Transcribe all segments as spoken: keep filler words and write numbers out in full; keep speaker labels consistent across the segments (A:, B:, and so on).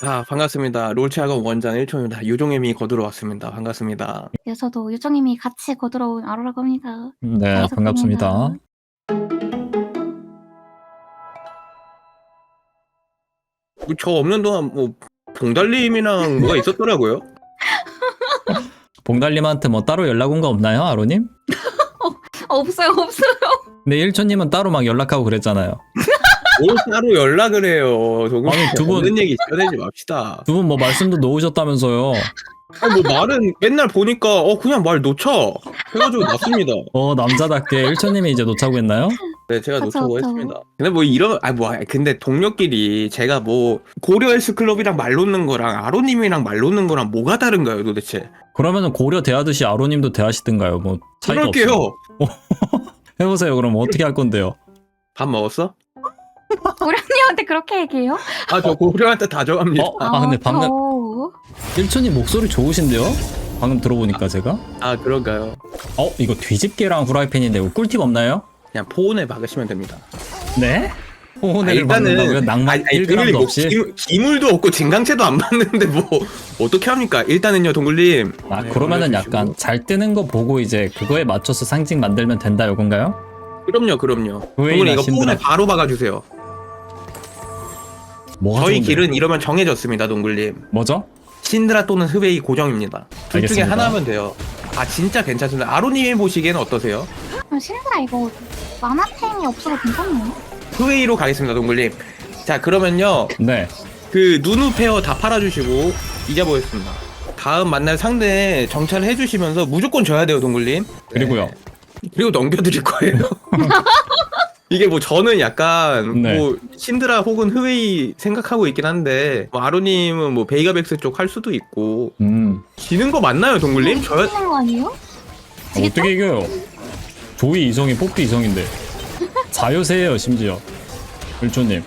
A: 아, 반갑습니다. 롤체학원 원장 일촌입니다. 유종님이 거두러 왔습니다. 반갑습니다.
B: 네, 저도 요정님이 같이 거들어온 아로라고 합니다.
C: 네,
B: 반갑습니다.
C: 반갑습니다.
A: 뭐저 없는 동안 뭐 봉달님이랑 뭐가 있었더라고요.
C: 봉달님한테 뭐 따로 연락 온 거 없나요, 아로님?
B: 어, 없어요, 없어요.
C: 근데 일초님은 따로 막 연락하고 그랬잖아요.
A: 뭘 따로 연락을 해요. 조금
C: 아니, 두 분-
A: 없는 얘기 꺼내지 맙시다.
C: 두 분 뭐 말씀도 놓으셨다면서요.
A: 아니, 뭐 말은 맨날 보니까 어 그냥 말 놓쳐 해가지고 놨습니다.
C: 어, 남자답게 일초님이 이제 놓자고 했나요?
A: 네, 제가
B: 그쵸,
A: 놓자고
B: 그쵸.
A: 했습니다. 근데 뭐 이런 아뭐 근데 동료끼리 제가 뭐 고려 헬스 클럽이랑 말 놓는 거랑 아로님이랑 말 놓는 거랑 뭐가 다른가요, 도대체?
C: 그러면은 고려 대하듯이 아로님도 대하시든가요. 뭐 차이가
A: 그럴게요.
C: 없어요. 해보세요. 그럼 어떻게 할 건데요?
A: 밥 먹었어?
B: 고령님한테 그렇게 얘기해요?
A: 아, 저 고려한테 다정합니다.
C: 어? 아, 근데 방금
B: 저...
C: 일초님 목소리 좋으신데요? 방금 들어보니까 제가.
A: 아, 그런가요?
C: 어, 이거 뒤집개랑 후라이팬인데 이거 꿀팁 없나요?
A: 그냥 포온에 박으시면 됩니다.
C: 네?
A: 아,
C: 호혼을 박는다고요? 낭만 일 그램도
A: 뭐
C: 없이?
A: 기, 기물도 없고 진강체도 안 받는데 뭐 어떻게 합니까? 일단은요, 동글님.
C: 아,
A: 네,
C: 그러면은
A: 올려주시고.
C: 약간 잘 뜨는 거 보고 이제 그거에 맞춰서 상징 만들면 된다 이건가요?
A: 그럼요, 그럼요.
C: 왜
A: 동글님 이거
C: 이러신드라?
A: 포온에 바로 박아주세요.
C: 뭐가
A: 저희
C: 좋은데요?
A: 길은 이러면 정해졌습니다, 동글님.
C: 뭐죠?
A: 신드라 또는 흐웨이 고정입니다. 둘 중에
C: 알겠습니다.
A: 하나 하면 돼요. 아, 진짜 괜찮습니다. 아로님이 보시기에는 어떠세요?
B: 아, 신드라 이거 만화템이 없어서 괜찮네요.
A: 흐웨이로 가겠습니다, 동글님. 자, 그러면요.
C: 네.
A: 그 누누 페어 다 팔아주시고 잊어보겠습니다. 다음 만날 상대 정찰을 해주시면서 무조건 져야 돼요, 동글님.
C: 그리고요.
A: 네. 그리고 넘겨드릴 거예요. 이게 뭐 저는 약간
C: 네.
A: 뭐 신드라 혹은 흐웨이 생각하고 있긴 한데 뭐 아로님은 뭐 베이가백스 쪽 할 수도 있고
C: 음.
A: 지는 거 맞나요, 동글님? 저
B: 이기는 거 아니에요? 지겠죠?
C: 어떻게 이겨요? 조이 이성이 뽑기 이성인데. 자요세예요 심지어. 일조님.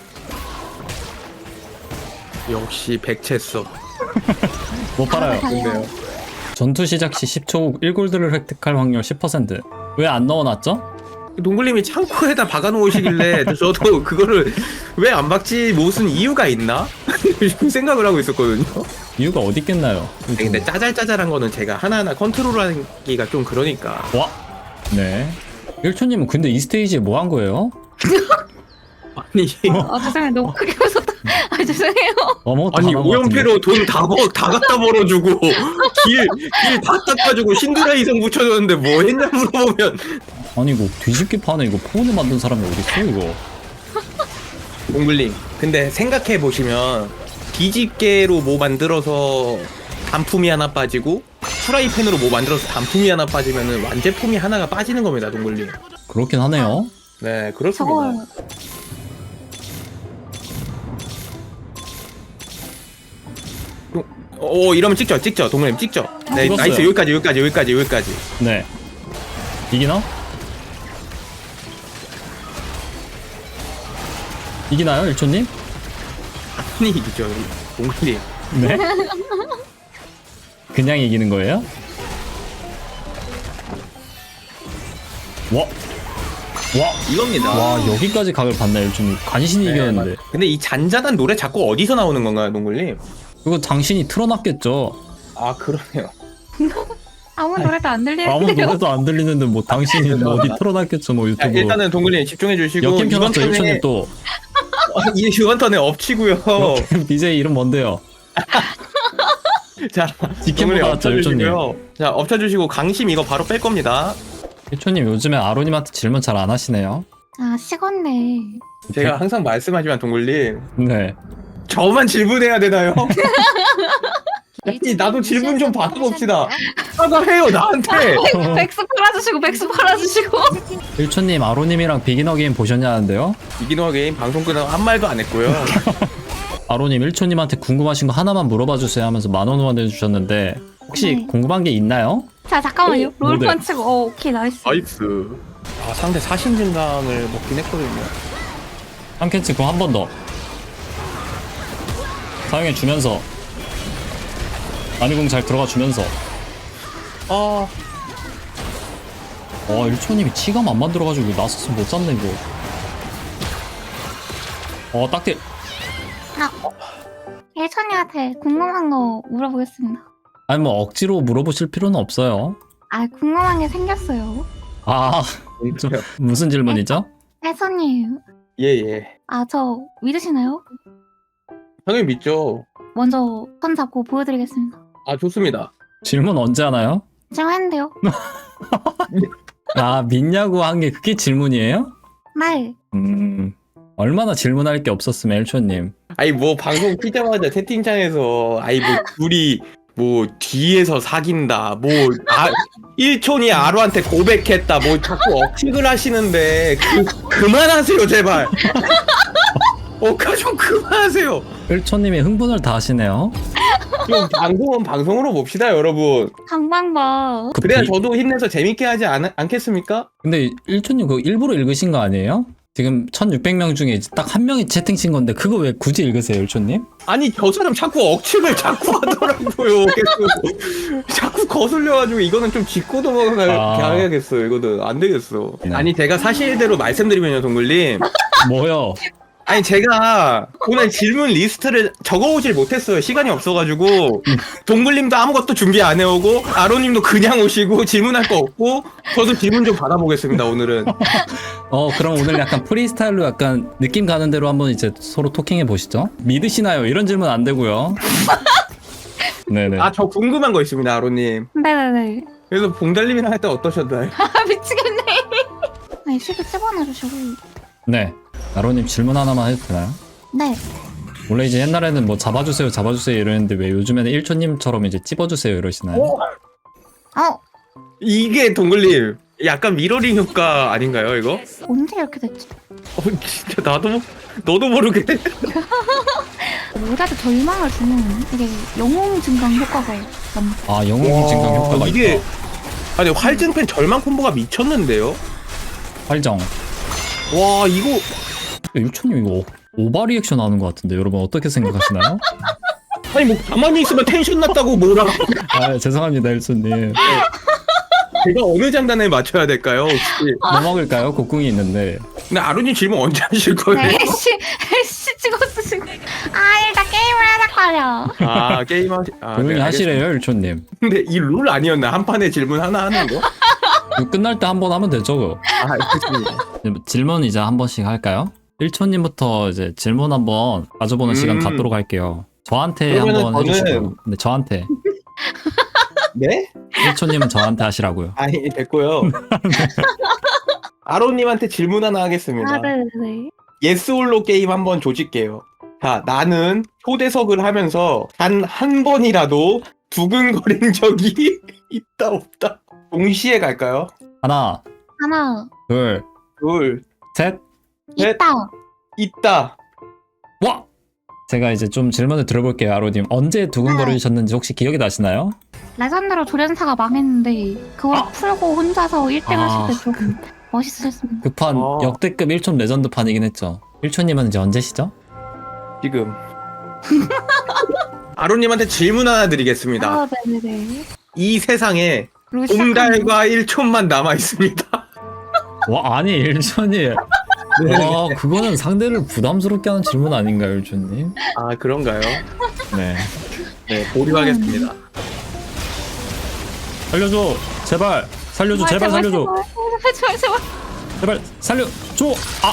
A: 역시 백채써.
C: 못 팔아요.
A: 근데요.
C: 전투 시작 시 십 초 후 일 골드를 획득할 확률 십 퍼센트. 왜 안 넣어놨죠?
A: 동글님이 창고에다 박아놓으시길래 저도 그거를 왜 안 박지 무슨 이유가 있나 생각을 하고 있었거든요.
C: 이유가 어디 있겠나요?
A: 아니, 근데 짜잘짜잘한 거는 제가 하나하나 컨트롤하기가 좀 그러니까.
C: 와. 네. 일초님은 근데 이 스테이지에 뭐 한 거예요?
A: 아니
B: 아, 죄송해요. 너무 크게 웃었다. 아, 죄송해요.
C: 아무것도
A: 아니
C: 안 한 것 같은데.
A: 오연패로 돈 다 다 갖다 벌어주고 길 길 다 닦아주고 신드라 이성 붙여줬는데 뭐 했냐 물어보면
C: 아니 이거 뒤집기 판에 이거 폰을 만든 사람이 어딨어 이거.
A: 동글님 근데 생각해 보시면 뒤집개로 뭐 만들어서 단품이 하나 빠지고 프라이팬으로 뭐 만들어서 단품이 하나 빠지면은 완제품이 하나가 빠지는 겁니다, 동글님.
C: 그렇긴 하네요.
A: 네, 그렇습니다.
B: 저걸
A: 오, 이러면 찍죠, 찍죠, 동글님 찍죠. 네,
C: 찍었어요.
A: 나이스. 여기까지, 여기까지, 여기까지, 여기까지.
C: 네. 이기나? 이기나요, 일초님?
A: 아니 이기죠, 동글님.
C: 네. 그냥 이기는 거예요? 와. 와.
A: 이겁니다.
C: 와, 여기까지 각을 봤네, 일초님. 간신히
A: 네,
C: 이겼는데.
A: 맞- 근데 이 잔잔한 노래 자꾸 어디서 나오는 건가요, 동글님?
C: 이거 당신이 틀어놨겠죠.
A: 아, 그러네요.
B: 아무 노래도 안 들리는데요.
C: 아무 노래도 안 들리는데 뭐 당신이 뭐 어디 틀어놨겠죠, 뭐
A: 자,
C: 유튜브.
A: 일단은 동글님 집중해 주시고
C: 역캠
A: 이번
C: 켜놨죠,
A: 턴에
C: 일초님 또.
A: 어, 이- 이번 턴에 엎치고요.
C: 역캠 비제이 이름 뭔데요?
A: 자,
C: 직캠
A: 동글님
C: 받았죠,
A: 엎쳐주시고요. 자, 엎쳐주시고 강심 이거 바로 뺄 겁니다.
C: 일초님 요즘에 아로님한테 질문 잘 안 하시네요.
B: 아, 식었네.
A: 제가 항상 말씀하지만 동글님
C: 네.
A: 저만 질문해야 되나요? 아니, 나도 질문 좀 받아봅시다. 사과해요 나한테.
B: 백수 팔아주시고, 백수 팔아주시고.
C: 일초님 아로님이랑 비기너 게임 보셨냐는데요?
A: 이기노 게임 방송 끝나고 한 말도 안 했고요.
C: 아로님 일초님한테 궁금하신 거 하나만 물어봐 주세요 하면서 만원 후원 해주셨는데 혹시
B: 네.
C: 궁금한 게 있나요?
B: 자, 잠깐만요.
C: 오, 뭐래?
B: 롤판 치고. 어, 오케이, 나이스.
A: 나이스. 아, 상대 사신 증강을 먹긴 했거든요.
C: 한 캔치 그거 한 번 더 사용해 주면서 아니궁 잘 들어가 주면서
A: 아,
C: 와 일초님이 치감 안 만들어가지고 나서서 못 잡네 이거. 어 딱대.
B: 아, 일천이한테 궁금한 거 물어보겠습니다.
C: 아니 뭐 억지로 물어보실 필요는 없어요.
B: 아, 궁금한 게 생겼어요.
C: 아 좀, 무슨 질문이죠?
B: 혜선님,
A: 예예.
B: 아, 저 믿으시나요?
A: 당연히 믿죠.
B: 먼저 손 잡고 보여드리겠습니다.
A: 아 좋습니다.
C: 질문 언제 하나요?
B: 지금 했는데요?
C: 아 믿냐고 한 게 그게 질문이에요?
B: 네.
C: 음 얼마나 질문할 게 없었으면 일초님.
A: 아니 뭐 방송 키자마자 채팅창에서 아이 뭐 둘이 뭐 뒤에서 사귄다 뭐 아, 일촌이 아루한테 고백했다 뭐 자꾸 억측을 하시는데 그, 그만하세요 제발. 어까 좀 그만하세요.
C: 일초님이 흥분을 다 하시네요.
A: 좀 방송은 방송으로 봅시다 여러분.
B: 강방봐.
C: 그
A: 그래야
C: 비-
A: 저도 힘내서 재밌게 하지 않, 않겠습니까?
C: 근데 일초님 그거 일부러 읽으신 거 아니에요? 지금 천육백 명 중에 딱 한 명이 채팅 친 건데 그거 왜 굳이 읽으세요 일초님?
A: 아니 저 사람 자꾸 억측을 자꾸 하더라고요. 계속. 자꾸 거슬려가지고 이거는 좀 짚고 넘어가야겠어요. 이거는 안 되겠어.
C: 네.
A: 아니 제가 사실대로 말씀드리면요 동글님.
C: 뭐요?
A: 아니 제가 오늘 질문 리스트를 적어오질 못했어요. 시간이 없어가지고 동글님도 아무것도 준비 안 해오고 아로님도 그냥 오시고 질문할 거 없고 저도 질문 좀 받아보겠습니다 오늘은.
C: 어 그럼 오늘 약간 프리스타일로 약간 느낌 가는 대로 한번 이제 서로 토킹해 보시죠. 믿으시나요? 이런 질문 안 되고요. 네네.
A: 아 저 궁금한 거 있습니다 아로님.
B: 네네네.
A: 그래서 봉달님이랑 할 때 어떠셨나요?
B: 아, 미치겠네. 네, 시도 집어넣어주시고.
C: 네. 나로님 질문 하나만 해도 되나요?
B: 네.
C: 원래 이제 옛날에는 뭐 잡아주세요 잡아주세요 이러는데 왜 요즘에는 일초님처럼 이제 찝어주세요 이러시나요?
A: 어?
B: 어,
A: 이게 동글님 약간 미러링 효과 아닌가요 이거?
B: 언제 이렇게 됐지?
A: 어 진짜 나도 너도 모르게.
B: 모자도 절망을 주는 이게 영웅 증강 효과가 납니다.
C: 아 영웅 증강 효과가
A: 이게
C: 있다.
A: 아니 활증팬 절망 콤보가 미쳤는데요?
C: 활정.
A: 와 이거
C: 일초님 이거 오바 리액션 하는 것 같은데 여러분 어떻게 생각하시나요?
A: 아니 뭐 가만히 있으면 텐션 났다고 뭐라.
C: 아 죄송합니다 일초님.
A: 제가 어느 장단에 맞춰야 될까요 혹시?
C: 뭐 먹을까요? 곡궁이 있는데.
A: 근데 아루님 질문 언제 하실 거예요?
B: 네, 애쉬, 애쉬 찍었어, 지금. 아, 일단 게임을 하자거려.
A: 아 게임 하시 아,
C: 조용히
A: 네,
C: 하시래요 일초님.
A: 근데 이 룰 아니었나? 한 판에 질문 하나 하는 거?
C: 이거 끝날 때 한 번 하면 되죠 그거.
A: 아 알겠습니다.
C: 질문 이제 한 번씩 할까요? 일초님부터 이제 질문 한번 가져보는
A: 음.
C: 시간 갖도록 할게요. 저한테
A: 그러면은
C: 한번
A: 저는-
C: 해주시고. 네, 저한테.
A: 네?
C: 일초님은 저한테 하시라고요.
A: 아니 됐고요. 아로님한테 질문 하나 하겠습니다.
B: 아, 네네네.
A: 예스홀로 게임 한번 조질게요. 자, 나는 초대석을 하면서 단 한 번이라도 두근거린 적이 있다 없다. 동시에 갈까요?
C: 하나,
B: 하나,
C: 둘,
A: 둘,
C: 셋.
A: 넷.
B: 있다.
A: 있다.
C: 와! 제가 이제 좀 질문을 들어볼게요, 아로님. 언제 두근거리셨는지 혹시 기억이 나시나요?
B: 레전드로 조련사가 망했는데 그걸 풀고 혼자서 일 등
C: 아.
B: 하실 때 좀 멋있으셨습니다.
C: 그 판
A: 어.
C: 역대급 일촌 레전드 판이긴 했죠. 일촌님은 이제 언제시죠?
A: 지금. 아로님한테 질문 하나 드리겠습니다.
B: 아, 네네네.
A: 이 세상에
B: 그리고 시작하는
A: 봉달과 일촌만 남아 있습니다.
C: 와, 아니, 일촌이. 와, 그거는 상대를 부담스럽게 하는 질문 아닌가요, 일촌님?
A: 아 그런가요?
C: 네.
A: 네, 보류하겠습니다.
C: 살려줘! 제발! 살려줘!
B: 아,
C: 제발 살려줘!
B: 제발, 제발, 제발.
C: 제발 살려줘! 아!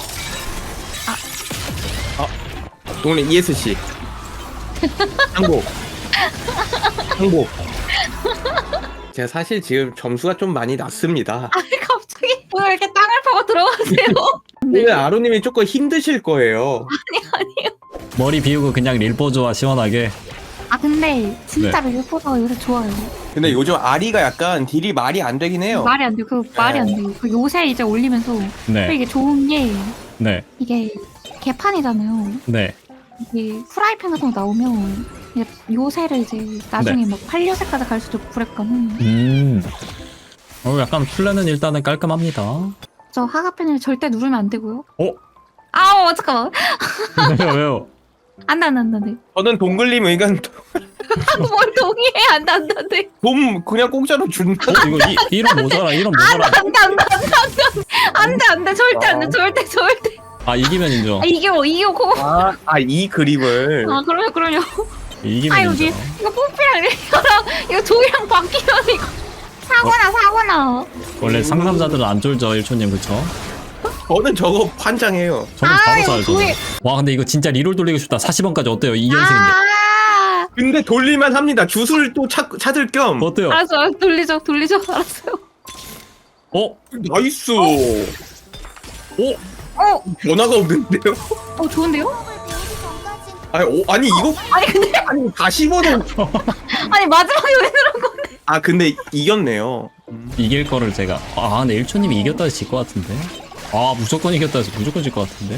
A: 동네 이에스씨. 항복. 항복. 제가 사실 지금 점수가 좀 많이 낮습니다.
B: 아니, 갑자기 왜 이렇게 땅을 파고 들어가세요?
A: 오늘 아로님이 조금 힘드실 거예요.
B: 아니요.
C: 머리 비우고 그냥 릴보조와 시원하게.
B: 아, 근데 진짜로
C: 네.
B: 일포가 요새 좋아요.
A: 근데 요즘 아리가 약간 딜이 말이 안 되긴 해요.
B: 말이 안 돼요. 그 말이 안 돼요. 그 요새 이제 올리면서 또
C: 네.
B: 이게 좋은 게
C: 네.
B: 이게 개판이잖아요.
C: 네.
B: 이게 프라이팬 같은 거 나오면 이제 요새를 이제 나중에 막 팔 요새까지 갈 수도 있고 그랬거든.
C: 음. 어, 약간 플랜은 일단은 깔끔합니다.
B: 저 하가펜을 절대 누르면 안 되고요.
C: 어?
B: 아우, 잠깐만.
C: 왜요, 왜요?
B: 안 돼, 안 돼, 안 돼, 안 돼.
A: 저는 동글님 의견
B: 뭘 동의해? 안 돼, 안 돼, 안 돼.
A: 돈 그냥 공짜로 준다.
C: 어, 이거 이, 이런 모자라, 이런 모자라.
B: 안 돼, 안 돼, 안 돼, 안 돼. 안 돼, 안 돼. 절대 안 돼, 절대, 절대.
C: 아, 이기면 인정.
B: 아, 이게 뭐, 이게 고
A: 아, 아 이 그림을.
B: 아, 그럼요, 그럼요.
C: 이기면
B: 아 이거 니
C: 인정.
B: 이거 뽀삐랑 이거랑 이거 조이랑 바뀌면 이거 사고나 사고나.
C: 원래 상남자들은 안 쫄죠 일초님 그쵸?
A: 저는 저거 환장해요.
C: 저는
B: 아,
C: 바로
B: 이거
C: 쏴요 저는.
B: 조이-
C: 와 근데 이거 진짜 리롤 돌리고 싶다. 사십 원까지 어때요? 이 연승인데.
B: 아,
A: 근데 돌릴만 합니다. 주술 또 찾, 찾을 겸.
C: 어때요?
B: 알았어, 알았어. 돌리죠, 돌리죠, 알았어요.
A: 어? 나이스. 오?
B: 어,
A: 변화가 없는데요?
B: 어 좋은데요?
A: 아니, 오, 아니 이거
B: 아니 근데
A: 아니 사십 원은
B: 아니 마지막에 왜 그런 건데?
A: 아 근데 이겼네요.
C: 이길 거를 제가 아 근데 일초님이 이겼다 해서 질 것 같은데. 아 무조건 이겼다 해서 무조건 질 것 같은데.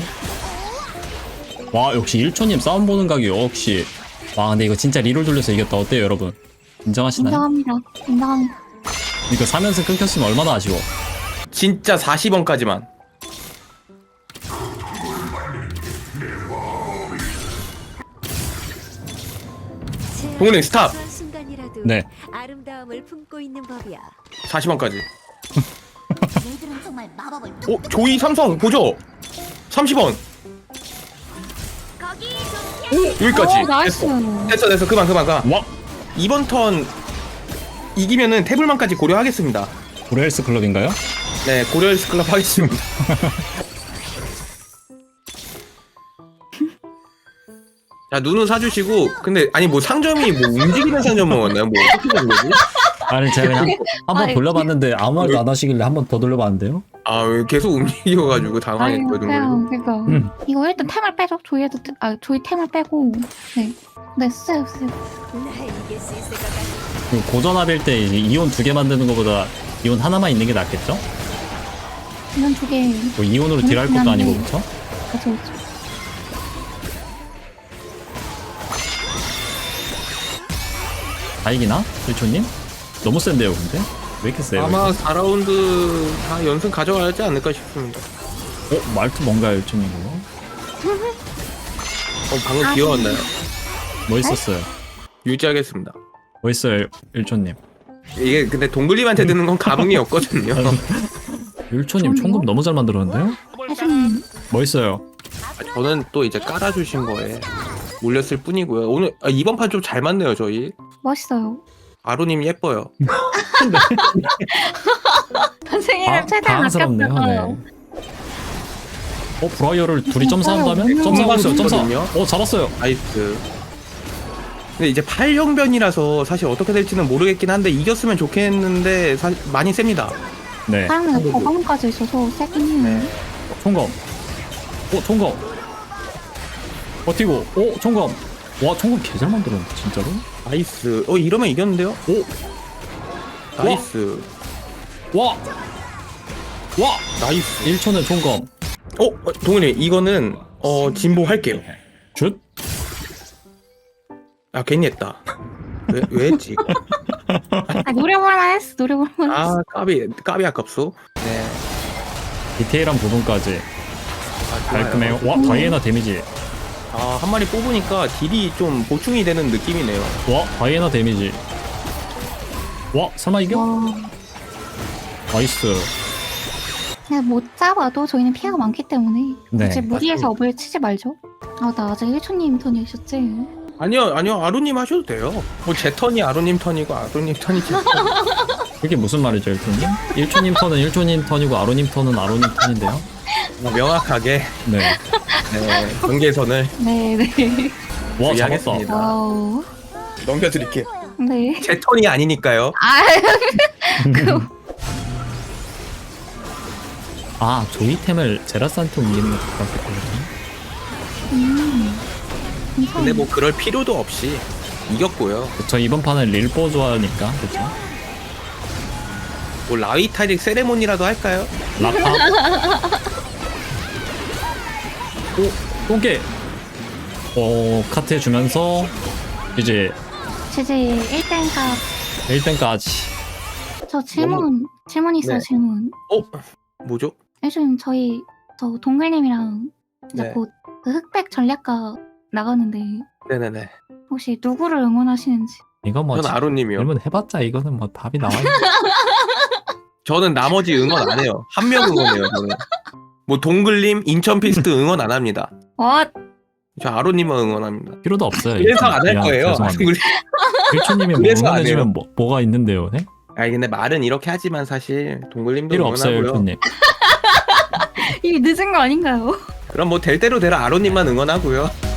C: 와 역시 일초님 싸움 보는 각이 역시. 와 근데 이거 진짜 리롤 돌려서 이겼다. 어때요 여러분? 인정하시나요?
B: 인정합니다, 인정합니다.
C: 이거 삼 연승 끊겼으면 얼마나 아쉬워.
A: 진짜 사십 원까지만. 동훈이 스탑.
D: 순간이라도
C: 네.
D: 아름다움을 품고 있는 법이야.
A: 사십 원까지.
E: 얘들은 정말 마법을
A: 오 조이 삼성 보죠. 삼십 원. 오 여기까지.
B: 오, 나이스.
A: 됐어. 됐어 됐어 그만 그만 그만.
C: 와
A: 이번 턴 이기면은 태블만까지 고려하겠습니다.
C: 고레일스 클럽인가요?
A: 네 고려헬스 클럽 하겠습니다. 자 눈은 사주시고 근데 아니 뭐 상점이 뭐 움직이는 상점 먹었나요? 뭐 어떻게 된 거지?
C: 아니 제가 그냥 한번
B: 아니,
C: 돌려봤는데 아무 말도 안 하시길래 한 번 더 돌려봤는데요.
A: 아 왜 계속 움직여가지고
B: 아니
A: 당황했거든요.
B: 그냥 그니까
C: 음.
B: 이거 일단 템을 빼죠. 조이에도 템- 아 조이 템을 빼고 네, 네 쓰세요 쓰세요.
D: 날 이길 수 있을 것 같아.
C: 그 고전압일 때 이제 이온 두 개 만드는 것보다 이온 하나만 있는 게 낫겠죠?
B: 이건 두개
C: 뭐 이온으로 딜할 것도 아니고 그쵸?
B: 그쵸 그쵸.
C: 다 이기나? 일초님? 너무 센데요 근데? 왜 이렇게 세요?
A: 아마 사 라운드 다 연승 가져가지 않을까 싶습니다.
C: 이거? 어? 말투 뭔가요 일초님 그거?
A: 어, 방금
B: 아,
A: 귀여웠나요?
C: 뭐 있었어요?
A: 유지하겠습니다.
C: 뭐 있어요 일초님?
A: 이게 근데 동글님한테 드는 건 감흥이 없거든요.
C: 일초님 총금 너무 잘 만들었는데요?
B: 혜수님
C: 뭐 있어요?
A: 저는 또 이제 깔아주신 거에 몰렸을 뿐이고요. 오늘 아, 이번 판 좀 잘 맞네요 저희.
B: 멋있어요.
A: 아로님 예뻐요.
B: 선생님을
C: 아,
B: 최대한
C: 당황스럽네요.
B: 아꼈어요.
C: 네. 어 브라이어를 둘이
B: 어,
C: 점사한다면?
B: 브라이어
C: 점사하고 있어요 점사!
A: 있거든요.
C: 어 잡았어요!
A: 나이스. 근데 이제 팔 형변이라서 사실 어떻게 될지는 모르겠긴 한데 이겼으면 좋겠는데 사실 많이 셉니다.
C: 네
B: 사람들 거방까지 있어서 세긴 해요.
A: 네.
C: 총검 어 총검 버티고 어 총검 와 총검 개잘 만들었네 진짜로?
A: 나이스. 어 이러면 이겼는데요? 오. 나이스.
C: 와! 와!
A: 나이스.
C: 일 초는 총검
A: 어 어, 동훈이 이거는 어 진보할게요.
C: 슛?
A: 아 괜히 했다. 왜, 왜 했지?
B: 아 노려볼만 했어. 노려볼만 했어.
A: 아 까비 까비 아깝소. 네.
C: 디테일한 부분까지
A: 아, 좋아요.
C: 깔끔해요 와 다이애나 데미지
A: 아, 한 마리 뽑으니까 딜이 좀 보충이 되는 느낌이네요.
C: 와 다이애나 데미지 와 설마 이겨?
B: 와,
C: 나이스
B: 그냥 못 잡아도 저희는 피해가 많기 때문에
C: 네.
B: 굳이 무리해서
A: 맞습니다.
B: 업을 치지 말죠. 아 나 아직 일 초님 턴이셨지?
A: 아니요, 아니요, 아로님 하셔도 돼요. 뭐 제 턴이 아로님 턴이고 아로님 턴이 제 턴.
C: 그게 무슨 말이죠 일초님? 일초님 턴은 일초님 턴이고 아로님 턴은 아로님 턴인데요
A: 뭐 명확하게
C: 네.
A: 네, 경계선을
B: 네네.
C: 와 잡았다
A: 주의하겠습니다.
B: 와우.
A: 넘겨드릴게요.
B: 네.
A: 제 턴이 아니니까요.
B: 아
C: 아 조이템을 제라스한테 옮기는 게 좋았겠거든요
B: 음.
A: 근데 뭐 그럴 필요도 없이 이겼고요.
C: 저 이번 판은 릴보 좋아하니까 그쵸?
A: 뭐 라위타릭 세레모니라도 할까요?
C: 라파 오 똥개 어 카트 해주면서 이제
B: 지지 일 등가
C: 일 등까지
B: 저 질문 질문 있어요.
A: 네.
B: 질문.
A: 어? 뭐죠?
B: 요즘 저희 저 동글님이랑 이제
A: 네.
B: 곧 그 흑백 전략가 나가는데
A: 네네네.
B: 혹시 누구를 응원하시는지?
C: 이거 뭐
A: 저는 아로님이요.
C: 질문 해봤자 이거는 뭐 답이 나와요
A: 저는 나머지 응원 안 해요. 한 명 응원해요. 저는. 뭐 동글님, 인천 피스트 응원 안 합니다.
B: 어
A: 저 아로님만 응원합니다.
C: 필요도 없어요.
A: 그래서 안 할
C: 미안,
A: 거예요.
C: 죄송합니다. 일초님이 뭐
A: 그래서 안
C: 응원해주면
A: 해요.
C: 뭐, 뭐가 있는데요, 네?
A: 아니 근데 말은 이렇게 하지만 사실 동글님도
C: 필요 없어요,
A: 응원하고요.
C: 일초님.
B: 이미 늦은 거 아닌가요?
A: 그럼 뭐 될 대로 되라 아로님만 응원하고요.